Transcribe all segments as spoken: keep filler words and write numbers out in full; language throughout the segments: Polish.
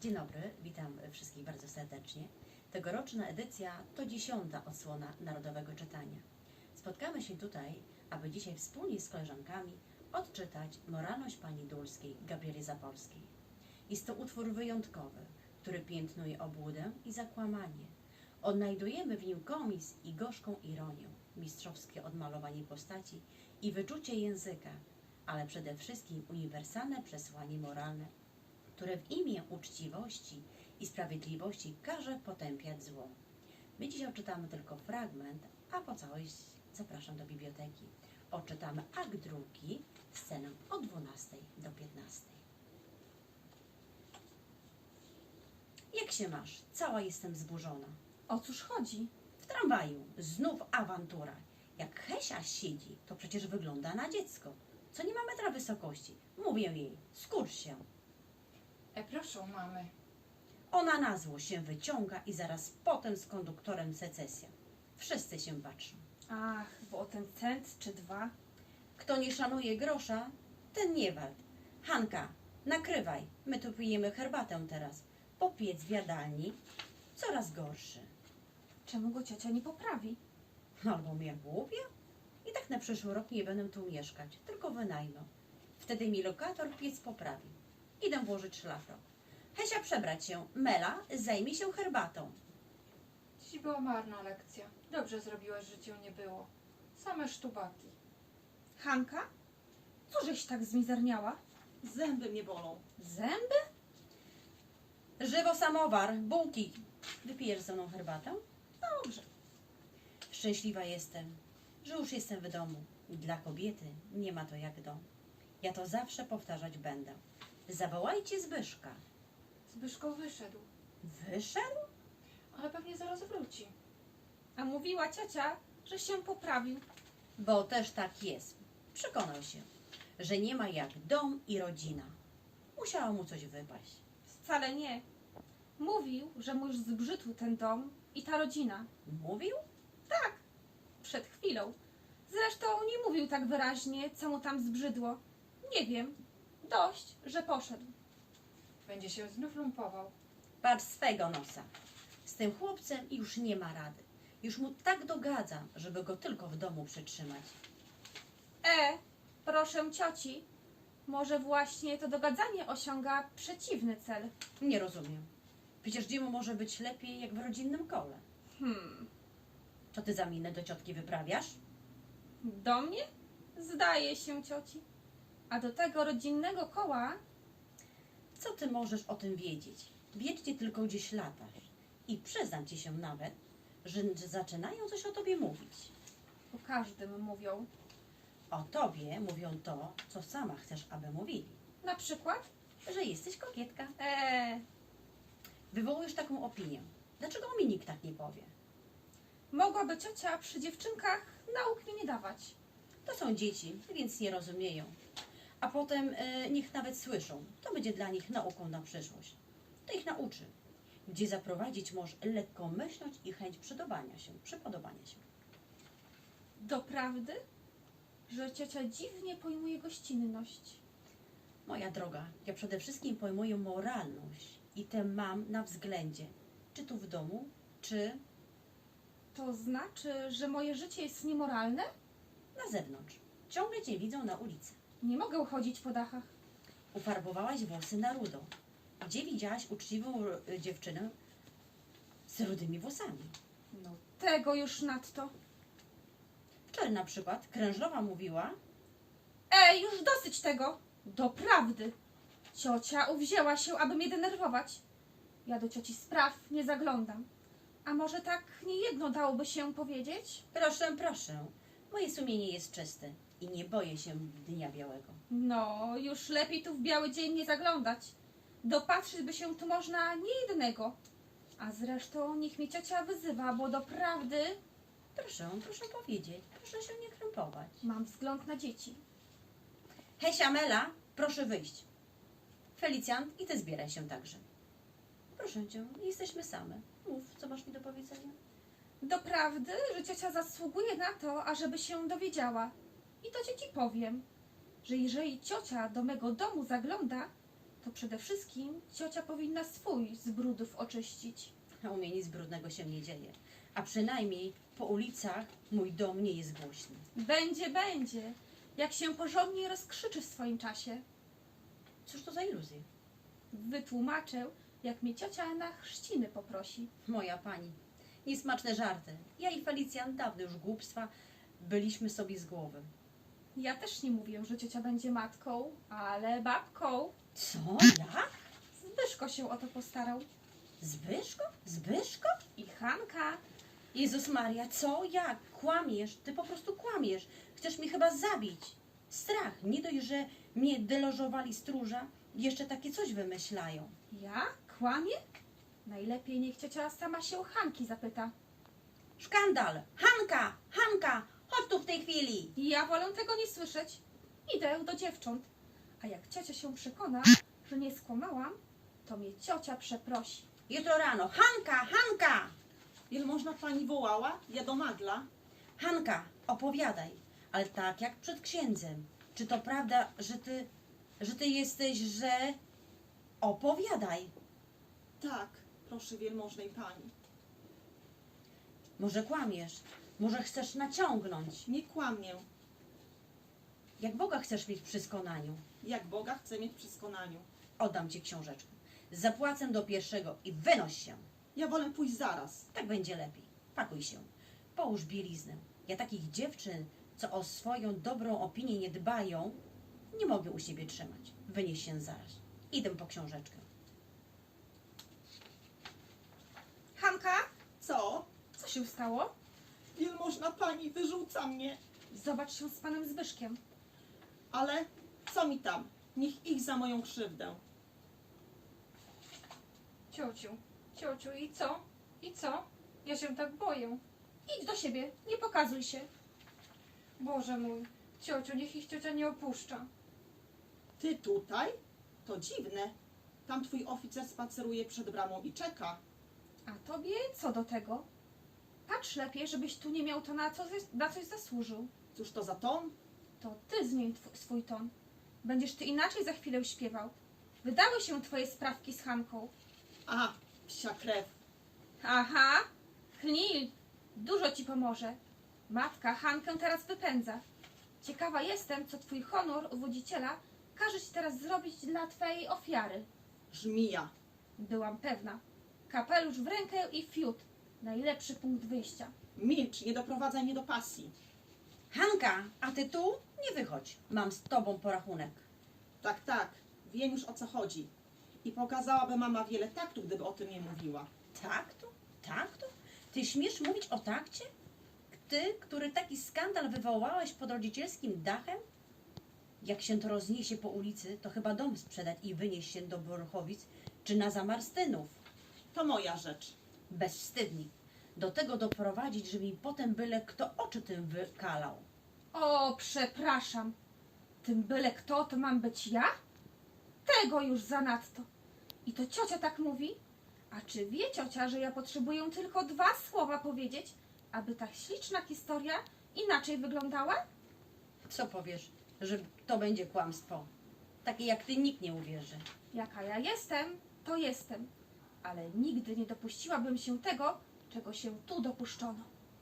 Dzień dobry, witam wszystkich bardzo serdecznie. Tegoroczna edycja to dziesiąta odsłona Narodowego Czytania. Spotkamy się tutaj, aby dzisiaj wspólnie z koleżankami odczytać Moralność Pani Dulskiej Gabrieli Zapolskiej. Jest to utwór wyjątkowy, który piętnuje obłudę i zakłamanie. Odnajdujemy w nim komis i gorzką ironię, mistrzowskie odmalowanie postaci i wyczucie języka, ale przede wszystkim uniwersalne przesłanie moralne, które w imię uczciwości i sprawiedliwości każe potępiać zło. My dzisiaj odczytamy tylko fragment, a po całość zapraszam do biblioteki. Odczytamy akt drugi, scenę od dwunastej do piętnastej. Jak się masz? Cała jestem zburzona. O cóż chodzi? W tramwaju znów awantura. Jak Hesia siedzi, to przecież wygląda na dziecko, co nie ma metra wysokości. Mówię jej, skurcz się. E, proszę, mamy. Ona na zło się wyciąga i zaraz potem z konduktorem secesja. Wszyscy się patrzą. Ach, bo o ten cent czy dwa. Kto nie szanuje grosza, ten nie wart. Hanka, nakrywaj, my tu pijemy herbatę teraz. Bo piec w jadalni coraz gorszy. Czemu go ciocia nie poprawi? Albo mnie głupia? I tak na przyszły rok nie będę tu mieszkać, tylko wynajmę. Wtedy mi lokator piec poprawi. Idę włożyć szlafrok. Hesia przebrać się, Mela zajmie się herbatą. Dziś była marna lekcja. Dobrze zrobiłaś, że cię nie było. Same sztubaki. Hanka? Co żeś tak zmizerniała? Zęby mnie bolą. Zęby? Żywo samowar, bułki. Wypijesz ze mną herbatę? Dobrze. Szczęśliwa jestem, że już jestem w domu. Dla kobiety nie ma to jak dom. Ja to zawsze powtarzać będę. Zawołajcie Zbyszka. Zbyszko wyszedł, Wyszedł? ale pewnie zaraz wróci. A mówiła ciocia, że się poprawił. Bo też tak jest. Przekonał się, że nie ma jak dom i rodzina. Musiało mu coś wypaść. Wcale nie. Mówił, że mu już zbrzydł ten dom i ta rodzina. Mówił? Przed chwilą. Zresztą nie mówił tak wyraźnie, co mu tam zbrzydło. Nie wiem. Dość, że poszedł. Będzie się znów lumpował. Patrz swego nosa. Z tym chłopcem już nie ma rady. Już mu tak dogadzam, żeby go tylko w domu przytrzymać. E, proszę cioci. Może właśnie to dogadzanie osiąga przeciwny cel. Nie rozumiem. Przecież dzieło może być lepiej jak w rodzinnym kole. Hmm. Co ty za minę do ciotki wyprawiasz? Do mnie? Zdaje się cioci. A do tego rodzinnego koła Co ty możesz o tym wiedzieć? Wiecznie tylko gdzieś latasz. I przyznam ci się nawet, że zaczynają coś o tobie mówić. o każdym mówią. O tobie mówią to, co sama chcesz, aby mówili. Na przykład? Że jesteś kokietka. Eee, Wywołujesz taką opinię. Dlaczego mi nikt tak nie powie? mogłaby ciocia przy dziewczynkach nauk mi nie dawać. To są dzieci, więc nie rozumieją. A potem e, niech nawet słyszą. To będzie dla nich nauką na przyszłość. To ich nauczy. Gdzie zaprowadzić może lekkomyślność i chęć przypodobania się. Przypodobania się. Doprawdy, że ciocia dziwnie pojmuje gościnność. Moja droga, ja przede wszystkim pojmuję moralność i tę mam na względzie. Czy tu w domu, czy To znaczy, że moje życie jest niemoralne? na zewnątrz. Ciągle cię widzą na ulicy. Nie mogę chodzić po dachach. Ufarbowałaś włosy na rudo. Gdzie widziałaś uczciwą y, dziewczynę z rudymi włosami? No tego już nadto. Wczoraj na przykład krężlowa mówiła, Ej, już dosyć tego. Doprawdy. Ciocia uwzięła się, aby mnie denerwować. Ja do cioci spraw nie zaglądam. A może tak niejedno dałoby się powiedzieć? proszę, proszę, moje sumienie jest czyste i nie boję się dnia białego. No, już lepiej tu w biały dzień nie zaglądać. Dopatrzyć by się tu można niejednego. A zresztą niech mnie ciocia wyzywa, bo doprawdy Proszę, proszę powiedzieć, proszę się nie krępować. mam wzgląd na dzieci. Hesia, Mela, proszę wyjść. Felicjant, i ty zbieraj się także. Proszę cię, jesteśmy same. Mów, co masz mi do powiedzenia. Doprawdy, że ciocia zasługuje na to, ażeby się dowiedziała. I to ci powiem, że jeżeli ciocia do mego domu zagląda, to przede wszystkim ciocia powinna swój z brudów oczyścić. A u mnie nic brudnego się nie dzieje. A przynajmniej po ulicach mój dom nie jest głośny. Będzie, będzie, jak się porządnie rozkrzyczy w swoim czasie. Cóż to za iluzje? Wytłumaczę, jak mnie ciocia na chrzciny poprosi. Moja pani, niesmaczne żarty. Ja i Felicjan dawno już głupstwa byliśmy sobie z głowy. Ja też nie mówię, że ciocia będzie matką, ale babką. Co? Jak? Zbyszko się o to postarał. Zbyszko? Zbyszko? I Hanka. Jezus Maria, co? Jak? Kłamiesz? Ty po prostu kłamiesz. Chcesz mnie chyba zabić. Strach. Nie dość, że mnie delożowali stróża, jeszcze takie coś wymyślają. Ja? Kłamie? Najlepiej niech ciocia sama się Hanki zapyta. Szkandal! Hanka! Hanka! Chodź tu w tej chwili! Ja wolę tego nie słyszeć. Idę do dziewcząt. A jak ciocia się przekona, że nie skłamałam, to mnie ciocia przeprosi. Jutro rano. Hanka! Hanka! Wielmożna pani wołała? Ja do Magla. Hanka, opowiadaj. Ale tak jak przed księdzem. Czy to prawda, że ty, że ty jesteś, że... Opowiadaj. Tak, proszę wielmożnej pani. Może kłamiesz. Może chcesz naciągnąć. Nie kłamię. Jak Boga chcesz mieć przy skonaniu. Jak Boga chcę mieć przy skonaniu. Oddam ci książeczkę. Zapłacę do pierwszego i wynoś się. Ja wolę pójść zaraz. Tak będzie lepiej. Pakuj się. Połóż bieliznę. Ja takich dziewczyn, co o swoją dobrą opinię nie dbają, nie mogę u siebie trzymać. Wynieś się zaraz. Idę po książeczkę. Hanka, Co? co się stało? Wielmożna pani wyrzuca mnie. Zobacz się z panem Zbyszkiem. Ale co mi tam? Niech ich za moją krzywdę. Ciociu, ciociu, i co? I co? Ja się tak boję. Idź do siebie, nie pokazuj się. Boże mój, ciociu, niech ich ciocia nie opuszcza. Ty tutaj? To dziwne. Tam twój oficer spaceruje przed bramą i czeka. A tobie co do tego? Patrz lepiej, żebyś tu nie miał to na, co, na coś zasłużył. Cóż to za ton? To ty zmień tw- swój ton. Będziesz ty inaczej za chwilę śpiewał. Wydały się twoje sprawki z Hanką. A, psia krew. Aha, Knil, dużo ci pomoże. Matka Hankę teraz wypędza. Ciekawa jestem, co twój honor uwodziciela każe ci teraz zrobić dla twojej ofiary. Żmija. Byłam pewna. Kapelusz w rękę i fiut. Najlepszy punkt wyjścia. Milcz, nie doprowadzaj mnie do pasji. Hanka, a ty tu? Nie wychodź. Mam z tobą porachunek. Tak, tak, wiem już o co chodzi. I pokazałaby mama wiele taktu, gdyby o tym nie mówiła. Taktu? Taktu? Ty śmiesz mówić o takcie? Ty, który taki skandal wywołałeś pod rodzicielskim dachem? Jak się to rozniesie po ulicy, to chyba dom sprzedać i wynieść się do Borchowic czy na Zamarstynów. To moja rzecz. Bezwstydnik. Do tego doprowadzić, żeby mi potem byle kto oczy tym wykalał. O, przepraszam. Tym byle kto, to mam być ja? Tego już zanadto. I to ciocia tak mówi? A czy wie ciocia, że ja potrzebuję tylko dwa słowa powiedzieć, aby ta śliczna historia inaczej wyglądała? Co powiesz, że to będzie kłamstwo? Takie jak ty nikt nie uwierzy. Jaka ja jestem, to jestem. Ale nigdy nie dopuściłabym się tego, czego się tu dopuszczono.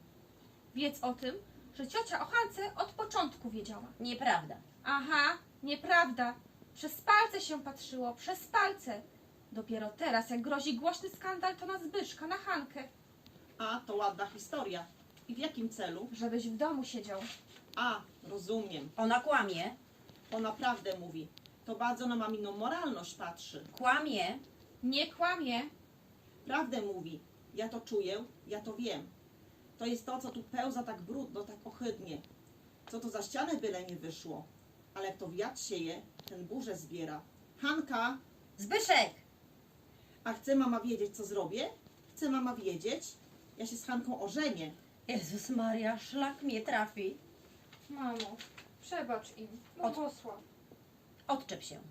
Wiedz o tym, że ciocia o Hance od początku wiedziała. Nieprawda. Aha, nieprawda. Przez palce się patrzyło, przez palce. Dopiero teraz, jak grozi głośny skandal, to na Zbyszka, na Hankę. A, to ładna historia. I w jakim celu? Żebyś w domu siedział. A, rozumiem. Ona kłamie. Ona prawdę mówi. To bardzo na maminą moralność patrzy. Kłamie. Nie kłamie. Prawdę mówi. Ja to czuję, ja to wiem. To jest to, co tu pełza tak brudno, tak ohydnie. Co to za ścianę byle nie wyszło. Ale kto wiatr sieje, ten burzę zbiera. Hanka, Zbyszek! a chce mama wiedzieć, co zrobię? Chce mama wiedzieć? Ja się z Hanką ożenię. Jezus Maria, szlak mnie trafi. Mamo, przebacz im. Od- Błogosław. Odczep się.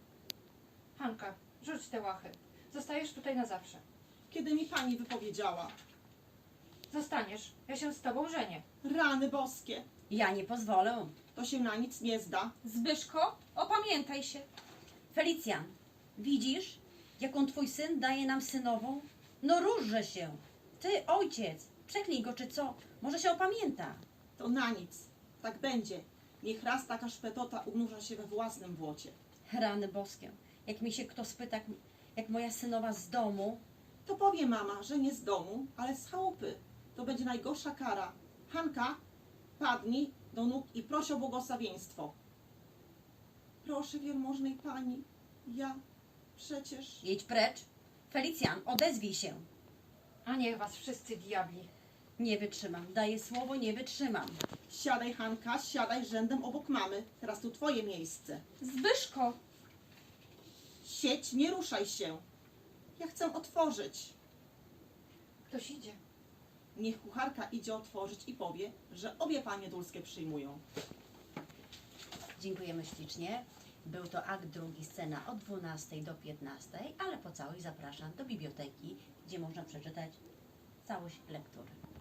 Hanka, rzuć te łachy. Zostajesz tutaj na zawsze. Kiedy mi pani wypowiedziała? Zostaniesz. Ja się z tobą żenię. Rany boskie, Ja nie pozwolę. to się na nic nie zda. Zbyszko, opamiętaj się. Felicjan, Widzisz, jaką twój syn daje nam synową? No różże się. Ty, ojciec, przeklij go czy co? Może się opamięta. To na nic. Tak będzie. Niech raz taka szpetota unurza się we własnym błocie. Rany boskie. Jak mi się kto spyta, jak, jak moja synowa z domu, To powie mama, że nie z domu, ale z chałupy. To będzie najgorsza kara. Hanka, padnij do nóg i proś o błogosławieństwo. Proszę, wielmożnej pani, ja przecież... jedź precz. Felicjan, odezwij się. A niech was wszyscy diabli. Nie wytrzymam. Daję słowo, nie wytrzymam. Siadaj, Hanka, siadaj rzędem obok mamy. Teraz tu twoje miejsce. Zbyszko, Siedź, nie ruszaj się. Ja chcę otworzyć. Ktoś idzie. Niech kucharka idzie otworzyć i powie, że obie panie dulskie przyjmują. Dziękujemy ślicznie. Był to akt drugi, scena od dwunastej do piętnastej, ale po całość zapraszam do biblioteki, gdzie można przeczytać całość lektury.